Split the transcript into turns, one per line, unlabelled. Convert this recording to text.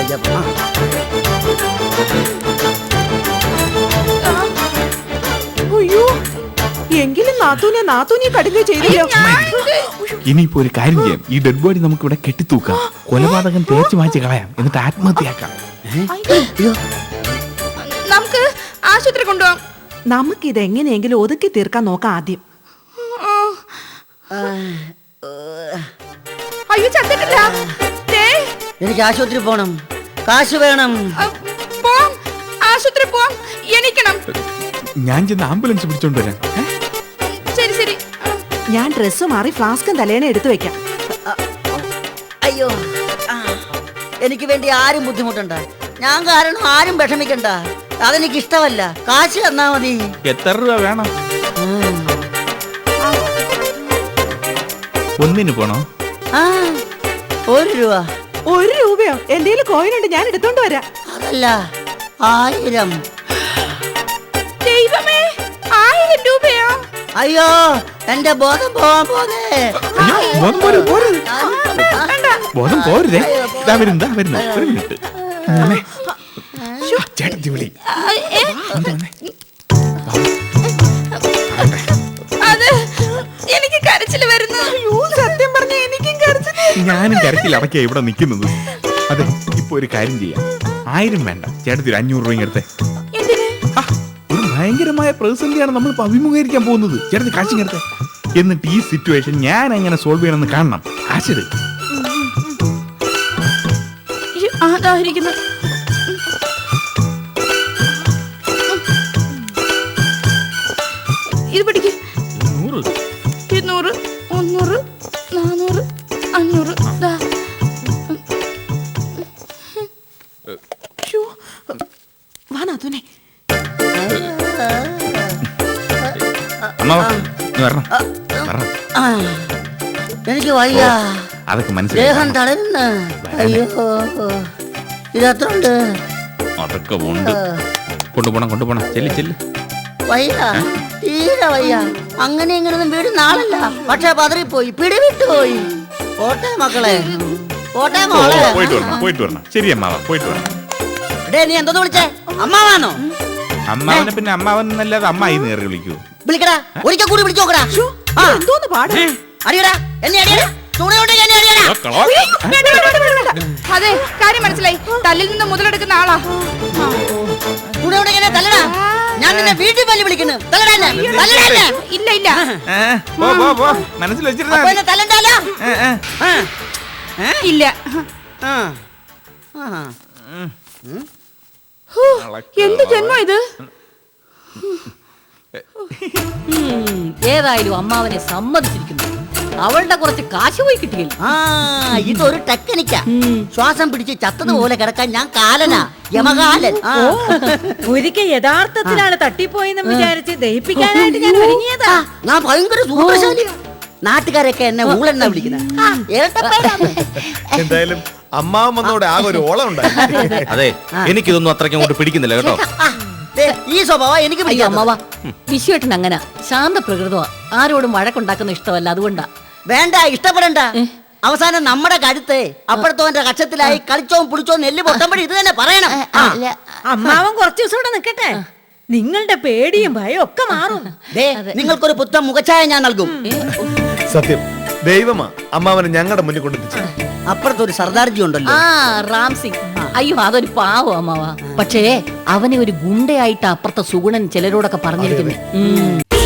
അയ്യോ, എങ്കിലും നാത്തൂനെ കടുകയോ ചെയ്തില്ല.
ഇനിയിപ്പോ ഒരു കാര്യം ചെയ്യാം, ഈ ഡെഡ് ബോഡി നമുക്ക് ഇവിടെ കെട്ടിത്തൂക്കാം, കൊലപാതകം തേച്ച് മാറ്റി കളയാം, എന്നിട്ട് ആത്മഹത്യയാക്കാം.
നമുക്ക് ആശുപത്രി കൊണ്ടുപോകാം.
നമുക്കിത് എങ്ങനെയെങ്കിലും ഒതുക്കി തീർക്കാൻ നോക്കാം ആദ്യം.
അയ്യോ ചത്തിട്ടില്ല.
എനിക്ക് ആശുപത്രി പോണം, കാശ് വേണം.
ആശുപത്രി പോവാം, എണീക്കണം.
ഞാൻ ചെന്ന് ആംബുലൻസ് പിടിച്ചോണ്ട് വരാം.
ശരി ശരി.
ഞാൻ ഡ്രസ്സ് മാറി ഫ്ലാസ്കും തലേനെ എടുത്തു വെക്കാം.
അയ്യോ, എനിക്ക് വേണ്ടി ആരും ബുദ്ധിമുട്ടണ്ട, ഞാൻ കാരണം ആരും വിഷമിക്കണ്ട. അതെനിക്ക് ഇഷ്ടമല്ല. കാശ് തന്നാ മതി.
എത്ര രൂപ വേണം? ഒന്നിന് പോണോ?
1 രൂപ.
1 രൂപയോ? എന്റെ കോയിനുണ്ട്, ഞാൻ എടുത്തോണ്ട് വരാം.
അതല്ല, 1000.
ദൈവമേ, 1000 രൂപയോ?
അയ്യോ, എന്റെ ബോധം പോവാൻ പോന്നേ.
ബോധം പോരുതേ. വരുന്നു. ഒരു മിനിറ്റ്. ചേട്ടത്തി വിളി.
അത് എനിക്ക് കരച്ചില് വരുന്നു.
സത്യം പറഞ്ഞ എനിക്കും കരച്ചില്.
ഞാനും കരച്ചിൽ അടക്കിയ ഇവിടെ നിൽക്കുന്നത്. അതെ, ഇപ്പൊ ഒരു കാര്യം ചെയ്യാം. 1000 വേണ്ട, ചേട്ടത്തി 500 രൂപ എടുത്തേ. ഒരു ഭയങ്കരമായ പ്രതിസന്ധിയാണ് നമ്മൾ അഭിമുഖീകരിക്കാൻ പോകുന്നത്. ചേട്ടത്തി കാശിങ് എടുത്തേ. എന്നിട്ട് ഈ സിറ്റുവേഷൻ ഞാൻ എങ്ങനെ സോൾവ് ചെയ്യണമെന്ന് കാണണം. കാശെടു.
അതായിരിക്കുന്നു. ഇത് പിടിക്ക്. 200, 300, 400, 500.
വാ നാത്തൂനെ.
എനിക്ക് വയ്യ,
അതൊക്കെ
ദേഹം
മനസ്സിലായി.
തളരുന്ന. അയ്യോ, ഇതത്ര ഉണ്ട്.
അതൊക്കെ ഉണ്ട്. കൊണ്ടുപോണം. ചെല്ല്.
വയ്യ, തീരെ വയ്യ. അങ്ങനെ ഇങ്ങനൊന്നും വീട് നാളല്ല, പക്ഷെ പതറിപ്പോയി, പിടിവിട്ടുപോയി. പോട്ടെ മക്കളെ, പോട്ടെ മോളെ.
പോയിട്ട് വരണം. ശരി അമ്മാവ, പോയിട്ട് വരണം.
നീ എന്തോന്ന് വിളിച്ചേ? അമ്മാവാണോ?
അമ്മാവനെ പിന്നെ അമ്മാവൻ എന്നല്ലാതെ അമ്മായി നേറി വിളിക്കൂ.
വിളിക്കടാ, ഒരിക്കൽ കൂടി വിളിച്ചു നോക്കടാ.
എന്തോന്ന് പാട്?
അടിയടാ, എന്നെ അടിയടാ.
അതെ, കാര്യം മനസ്സിലായി. തല്ലിൽ നിന്ന് മുതലെടുക്കുന്ന ആളാ.
തല്ലടാ, ഞാൻ നിന്നെ വീട്ടിൽ പല്ലി വിളിക്കുന്നു. ഇല്ല,
മനസ്സിൽ വെച്ചിരുന്ന
തല്ലണ്ടല്ലോ.
ഇല്ല. എന്ത് ജന്മം ഇത്?
ഏതായാലും അമ്മാവനെ സമ്മതിച്ചിരിക്കുന്നു. അവളുടെ കുറച്ച് കാശ് പോയി കിട്ടിയില്ല.
ഇതൊരു ടെക്നിക്കാ. ശ്വാസം പിടിച്ച് ചത്തതുപോലെ കിടക്കാൻ ഞാൻ കാലനാ, യമകാലൻ.
ഒരിക്കൽ യഥാർത്ഥത്തിലാണ് തട്ടിപ്പോയെന്ന് വിചാരിച്ച് ദഹിപ്പിക്കാനായിട്ട് ഞാൻ ഒരുങ്ങിയതാ.
ഞാൻ ഭയങ്കര സൂത്രശാലിയാ. നാട്ടുകാരൊക്കെ എന്നെ ഊളെന്നാ വിളിക്കുന്നത്.
എന്തായാലും അമ്മാവൻ വന്നോടെ ആകെ ഒരു ഓളം ഉണ്ടായി.
അതെ, എനിക്കിതൊന്നും അത്രയ്ക്ക് അങ്ങോട്ട് പിടിക്കുന്നില്ല കേട്ടോ.
ഈ സ്വഭാവം എനിക്ക്
അമ്മാവ, വിശ്വേട്ടൻ അങ്ങനെ ശാന്ത പ്രകൃതമാ. ആരോടും വഴക്കുണ്ടാക്കുന്ന ഇഷ്ടമല്ല, അതുകൊണ്ടാ.
വേണ്ട, ഇഷ്ടപ്പെടണ്ട. അവസാനം നമ്മുടെ കരുത്ത് അപ്പുറത്തോന്റെ കക്ഷത്തിലായി കളിച്ചോ പിടിച്ചോ നെല്ല് പൊട്ടുമ്പോഴും ഇത് തന്നെ പറയണം.
അമ്മാവൻ കുറച്ചു ദിവസം ഇവിടെ നിൽക്കട്ടെ, നിങ്ങളുടെ പേടിയും ഭയം ഒക്കെ മാറും.
നിങ്ങൾക്കൊരു പുത്തൻ മുഖച്ഛായ ഞാൻ നൽകും.
സത്യം, ദൈവമാ അമ്മാവനെ ഞങ്ങളുടെ മുന്നിൽ കൊണ്ടെത്തിച്ചു.
അപ്പുറത്തൊരു സർദാർജി ഉണ്ടല്ലോ,
റാം സിംഗ്. അയ്യോ, അതൊരു പാവം അമ്മാവ. പക്ഷേ അവനെ ഒരു ഗുണ്ടയായിട്ട് അപ്പുറത്തെ സുഗുണൻ ചിലരോടൊക്കെ പറഞ്ഞിരിക്കുന്നു.